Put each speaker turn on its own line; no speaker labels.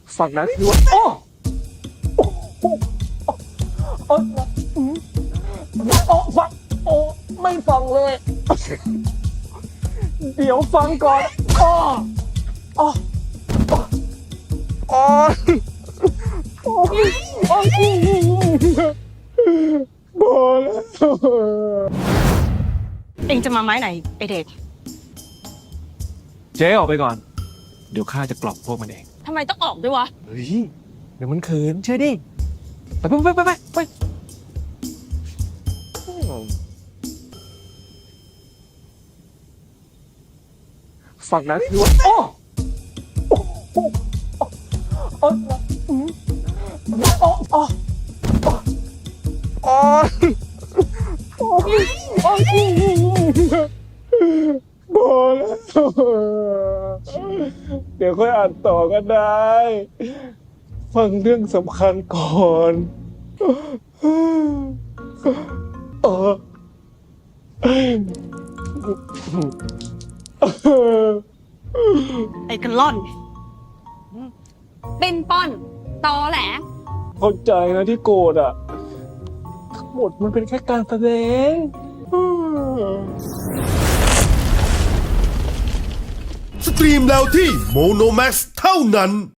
ฝั่งนั้นคือว่าโอ้โอ้โอ้ฟังโอ้ไม่ฟังเลย เดี๋ยวฟังก่อนโอ้โอ้โอ้โอ้โอ้พอแล้ว
เองจะมาไม้ไหนไอเด็ก
เจ๊ออกไปก่อน เดี๋ยวข้าจะกล่อมพวกมันเอง
ทำไมต้องออกด้วยวะ
เฮ้ย เดี๋ยวมันเขินเชื่อดิ ไปฝั่งนั้นคือว่าโอ้โอ้โอ้โอ้โอ้โอ้พอแล้วเดี๋ยวค่อยอ่านต่อก็ได้ ฟังเรื่องสำคัญก่อนเออ
ไอ้กันล่อน เป็นป้อน ตอแหล
เข้าใจนะที่โกรธอ่ะ ทั้งหมดมันเป็นแค่การแสดง
สตรีมแล้วที่โมโนแม x เท่านั้น